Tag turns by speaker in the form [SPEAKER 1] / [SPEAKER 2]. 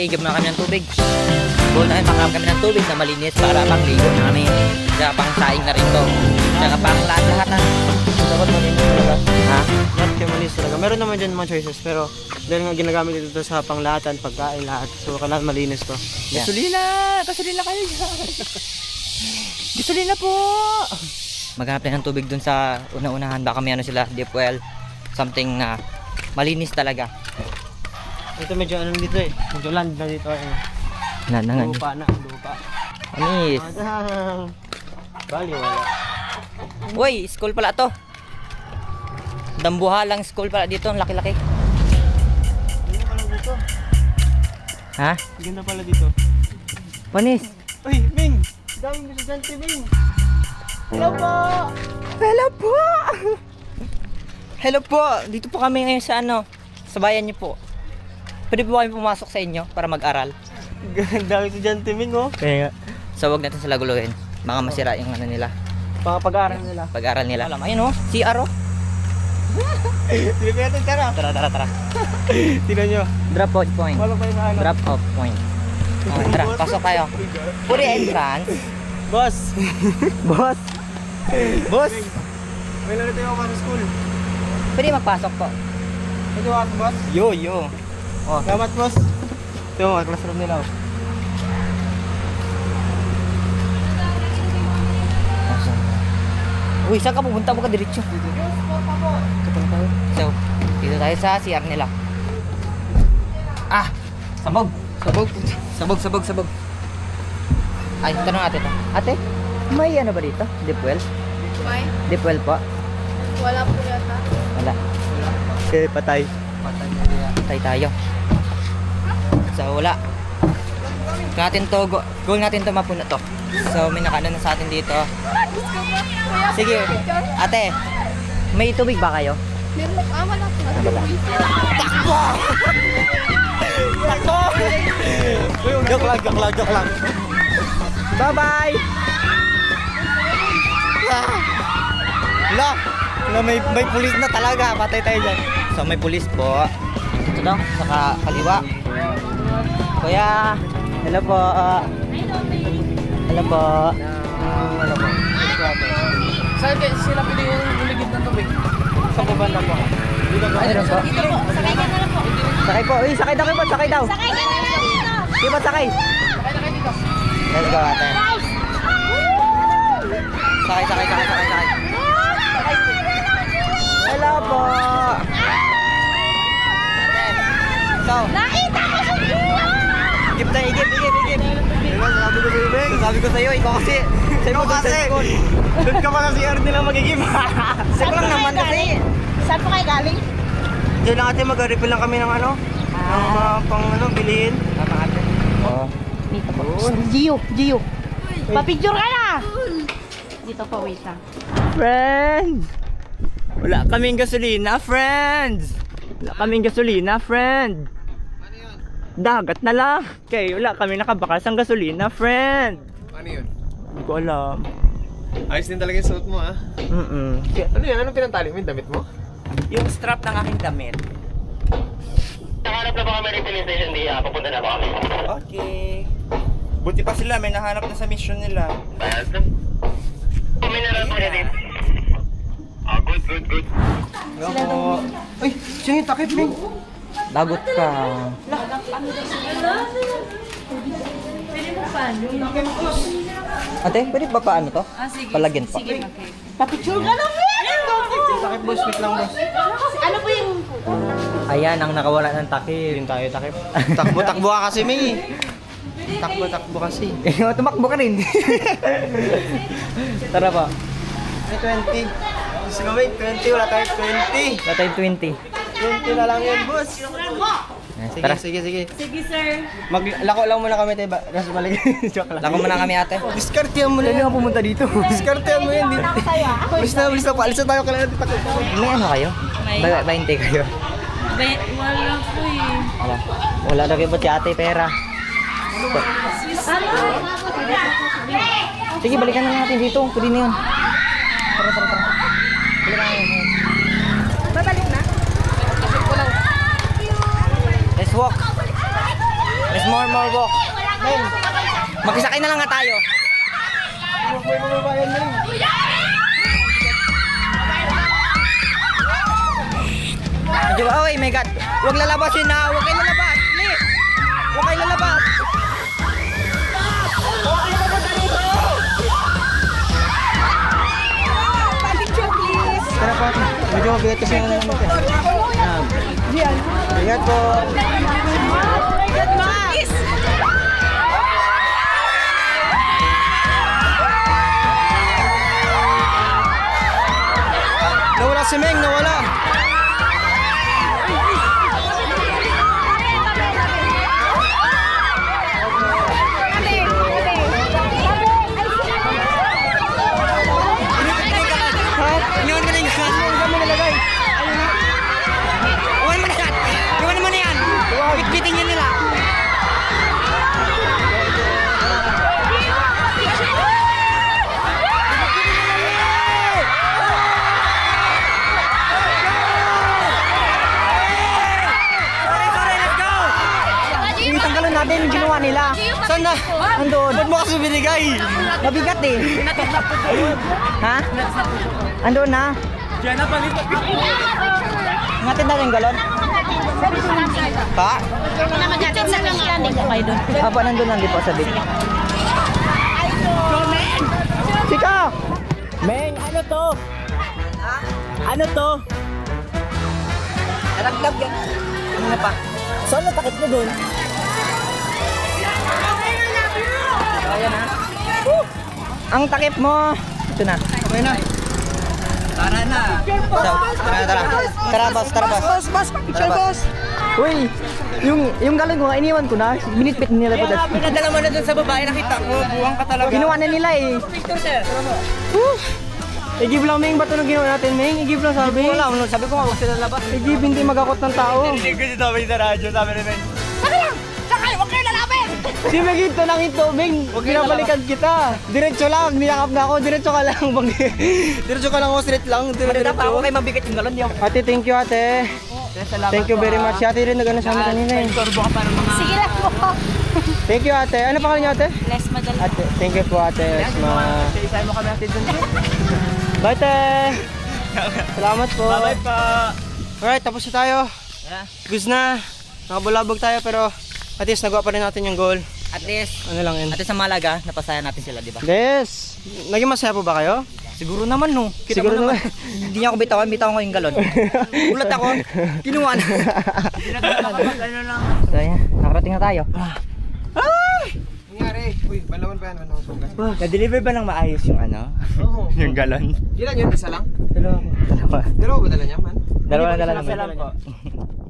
[SPEAKER 1] Igib na kami ng tubig. Goal namin makakam kami ng tubig na malinis para pang ligo namin. Tsaka pang saing na rin to. Tsaka pang lahat ng
[SPEAKER 2] Dapat malinis talaga.
[SPEAKER 1] ha?
[SPEAKER 2] Dapat kayo malinis talaga. Meron naman dyan mga choices pero dahil nga ginagamit dito sa panglahatan, pagkain, lahat. So kailangan malinis to.
[SPEAKER 1] Yeah.
[SPEAKER 2] Gasolina! Gasolina kayo dyan! Gasolina po!
[SPEAKER 1] Maghanap tayo ng tubig dun sa una-unahan. Baka may ano sila, deep well. Something na malinis talaga.
[SPEAKER 2] Ito medyo ano dito eh. Medyo land na dito eh.
[SPEAKER 1] Nanangan.
[SPEAKER 2] Lupa na, lupa.
[SPEAKER 1] Anis.
[SPEAKER 2] Madang! Bali, wala.
[SPEAKER 1] Uy, school pala to. Dambuhalang school pala dito. Ang laki-laki.
[SPEAKER 2] Ganda pala dito.
[SPEAKER 1] Ha?
[SPEAKER 2] Ganda pala dito.
[SPEAKER 1] Panis.
[SPEAKER 2] Uy, Ming! Daming estudyante, Ming! Hello po!
[SPEAKER 1] Hello po! Hello po! Dito po kami ngayon sa ano, sa bayan niyo po. Pwede po kami pumasok sa inyo para mag-aral.
[SPEAKER 2] Daming estudyante, Ming, oh.
[SPEAKER 1] Kaya nga. So wag natin sila guluhin. Mga masira yung ano nila.
[SPEAKER 2] Pag-aaral nila.
[SPEAKER 1] Pag-aral nila. Alam, ayun oh, CR oh.
[SPEAKER 2] Sige kaya natin, tara!
[SPEAKER 1] Tara.
[SPEAKER 2] Tignan nyo.
[SPEAKER 1] Drop out point.
[SPEAKER 2] Wala pa yung ano.
[SPEAKER 1] Drop off point. Okay, tara, pasok tayo. Puri entrance.
[SPEAKER 2] Boss!
[SPEAKER 1] Boss! Boss!
[SPEAKER 2] May lalo tayo ako sa school.
[SPEAKER 1] Pwede magpasok po.
[SPEAKER 2] Ito ako, boss.
[SPEAKER 1] Yo. Oh,
[SPEAKER 2] Salamat, boss. Ito yung classroom nila. Oh.
[SPEAKER 1] uy, saan ka pupunta? Huwag ka diretso.
[SPEAKER 2] Kapag tayo.
[SPEAKER 1] So, dito tayo sa CR nila. Ah! Sabog! Sabog. Ay, tanong ate to. Ate, may ano ba dito? Deep well?
[SPEAKER 3] Why?
[SPEAKER 1] Deep well po?
[SPEAKER 3] Wala po yata.
[SPEAKER 1] Wala.
[SPEAKER 2] Okay, patay.
[SPEAKER 1] Patay tayo. So, wala. Goal natin to mapuno to. So, may nakaano na sa atin dito.
[SPEAKER 3] Kuya,
[SPEAKER 1] Sige,
[SPEAKER 3] picture?
[SPEAKER 1] ate, may tubig ba kayo?
[SPEAKER 3] Meron po. Wala po.
[SPEAKER 2] Joke lang.
[SPEAKER 1] Bye-bye! Wala, may pulis na talaga. Patay tayo dyan. So, may pulis po. Dito daw, sa kaliwa. Kuya, hello po. Hello po.
[SPEAKER 2] Saan kayo sila pili yung uligid ng tubig? Sa banda po.
[SPEAKER 1] Ano po?
[SPEAKER 3] Dito po. Sakay ka na lang po.
[SPEAKER 1] Sakay po. Uy, sakay daw kayo po. Sakay daw.
[SPEAKER 3] Sakay ka na lang dito.
[SPEAKER 1] Di ba sakay?
[SPEAKER 2] Sakay na kayo dito.
[SPEAKER 1] Let's go, ate. Sakay. Hello po. Ate. So,
[SPEAKER 3] Nakita ko siya dito.
[SPEAKER 1] igip tayo, igip.
[SPEAKER 2] Diba, sabi ko sa'yo, Beng?
[SPEAKER 1] Sabi ko sa'yo, ikaw kasi. Sa'yo mo doon sa school.
[SPEAKER 2] Doon ka pala si Art nila magigib.
[SPEAKER 1] Sa'yo lang naman kasi.
[SPEAKER 3] Saan po kayo galing?
[SPEAKER 2] Diyan lang ate, mag-refill lang kami ng ano. Ng mga pang ano, bilihin.
[SPEAKER 1] Tama ate. Oo.
[SPEAKER 3] Dito po. Gio. Papicture ka na. Dito po, wait lang.
[SPEAKER 1] Friends! Wala kaming gasolina, friends! Friend! Dagat na lang. Okay, wala kami nakabakas ng gasolina, friend.
[SPEAKER 4] Ano yun?
[SPEAKER 1] Hindi ko alam.
[SPEAKER 4] Ayos din talaga yung suot mo ah.
[SPEAKER 1] Mm-mm.
[SPEAKER 4] Ano yan? Anong pinantali mo yung damit mo?
[SPEAKER 1] Yung strap ng aking damit.
[SPEAKER 5] Nakahanap na ba kami refill station di papunta na ba kami?
[SPEAKER 1] Okay. Buti pa sila, may nahanap na sa mission nila.
[SPEAKER 5] Mineral po niya din. Good.
[SPEAKER 2] Sila daw. Uy, siya yung takip, Beng.
[SPEAKER 1] Dagot ka. Ate, pwede ba paano to? Palagyan pa.
[SPEAKER 3] Papicture ka na,
[SPEAKER 2] Takip, boss. Wait lang, boss.
[SPEAKER 3] Ano po yung...
[SPEAKER 1] Ayan ang nakawala ng takip.
[SPEAKER 2] Yun tayo, takip. Takbo ka kasi, Ming. Takbo kasi.
[SPEAKER 1] Tumakbo ka rin. Tara pa.
[SPEAKER 2] May 20. Gusto ko, Ming, 20. Wala tayo 20.
[SPEAKER 1] Wala tayong 20.
[SPEAKER 2] 20 na lang yun, boss.
[SPEAKER 1] Tara.
[SPEAKER 2] Sige.
[SPEAKER 3] Sige, sir.
[SPEAKER 2] Maglako lang muna kami tayo. Kasi balik. Joke lang.
[SPEAKER 1] Lako muna kami ate.
[SPEAKER 2] Diskartehan mo na yan. pumunta dito. Diskartehan mo yan. Bilis na. Paalis na tayo. Kailangan natin takot.
[SPEAKER 1] May ano kayo?
[SPEAKER 3] May-
[SPEAKER 1] 20 kayo?
[SPEAKER 3] Wala po eh.
[SPEAKER 1] Wala na kayo ba si ate pera? Sige, balikan na natin dito. Pwede na yun. Tara. Balikan na yun.
[SPEAKER 3] Babalik na?
[SPEAKER 1] Let's walk. There's more walk. Magkisakay na lang nga tayo. Medyo ba? Okay, my God. Huwag lalabasin na. Huwag kayo lalabas. Please. Huwag kayo lalabas.
[SPEAKER 2] Tara po. Medyo mabigat kasi yung ano natin. Ingat po. Nawala si Meng, nawala.
[SPEAKER 1] Iniwan mo na yung gas. Iniwan mo nalagay. Iwan mo na yan. Iwan mo na yan. Bitbitin yun nila. Sorry, let's go. Tanggalan natin yung ginawa nila.
[SPEAKER 2] Saan na?
[SPEAKER 1] Andun.
[SPEAKER 2] Ba't mo kasi binigay?
[SPEAKER 1] Mabigat eh. Ha? Andun na.
[SPEAKER 2] Diyan na palipat.
[SPEAKER 1] Ngatin natin yung galon. Pa?
[SPEAKER 3] Namagatid sa kanila, hindi ko kayo doon.
[SPEAKER 1] Apa nandun lang di po sa big. Sika!
[SPEAKER 2] Meng, ano to? Ano to?
[SPEAKER 1] Nalaglag yan. Ano na pa?
[SPEAKER 2] Saan natakit mo doon?
[SPEAKER 1] Ayan ha. Ang takip mo. Ito na.
[SPEAKER 2] Okay na.
[SPEAKER 1] Tara na. Tara. Tara boss, tara boss.
[SPEAKER 2] Boss, picture boss.
[SPEAKER 1] Uy, yung galon ko, iniwan ko na. Binitbit nila po.
[SPEAKER 2] Pinadala mo na doon sa babae, nakita ko. Buwang ka talaga.
[SPEAKER 1] Ginawa na nila eh.
[SPEAKER 2] I-give lang, Meng. Ba't ano ginawa natin, Meng? I-give lang sabi.
[SPEAKER 1] Wala, sabi ko nga huwag sila labas.
[SPEAKER 2] I-give, hindi magakot ng tao.
[SPEAKER 4] Hindi ko si Tommy sa radyo, sabi ni Meng.
[SPEAKER 2] Si Meng, ito lang ito, Meng. Pinabalikan kita. Diretso lang, niyakap na ako. Diretso ka lang. Diretso ka lang ako, straight lang.
[SPEAKER 1] Marita pa ako kay mabigat yung galon.
[SPEAKER 2] Ate, thank you, ate. Thank you very much. Si ate rin nag-ano sa amin kanina eh.
[SPEAKER 3] Sige lang po.
[SPEAKER 2] Thank you, ate. Ano pangalan niyo, ate?
[SPEAKER 3] Les madali.
[SPEAKER 2] Ate, thank you po, ate. Esma.
[SPEAKER 1] Isa mo kami natin dun.
[SPEAKER 2] Bye, te. Salamat po.
[SPEAKER 4] Bye pa.
[SPEAKER 2] Alright, tapos na tayo.
[SPEAKER 1] Yeah.
[SPEAKER 2] Goods na. Nakabulabog tayo pero at least nagawa pa rin natin yung goal.
[SPEAKER 1] At least,
[SPEAKER 2] Ano lang yun?
[SPEAKER 1] sa Malaga, napasaya natin sila, di ba?
[SPEAKER 2] Yes! Naging masaya po ba kayo?
[SPEAKER 1] Siguro naman no. Kita
[SPEAKER 2] Siguro
[SPEAKER 1] mo naman. Hindi niya ako bitawan ko yung galon. Ulat ako. Kinuha na. So yan, nakarating na tayo.
[SPEAKER 4] Nangyari? Uy, balawan pa yan. Ano sugas?
[SPEAKER 1] Na-deliver ba ng maayos yung ano?
[SPEAKER 4] Oo.
[SPEAKER 1] Yung galon?
[SPEAKER 4] Ilan yun? Isa lang?
[SPEAKER 2] Dalawa.
[SPEAKER 4] Dalawa ba dala niya, man?
[SPEAKER 1] Dalawa na dala
[SPEAKER 2] Isa
[SPEAKER 1] naman.
[SPEAKER 2] lang po.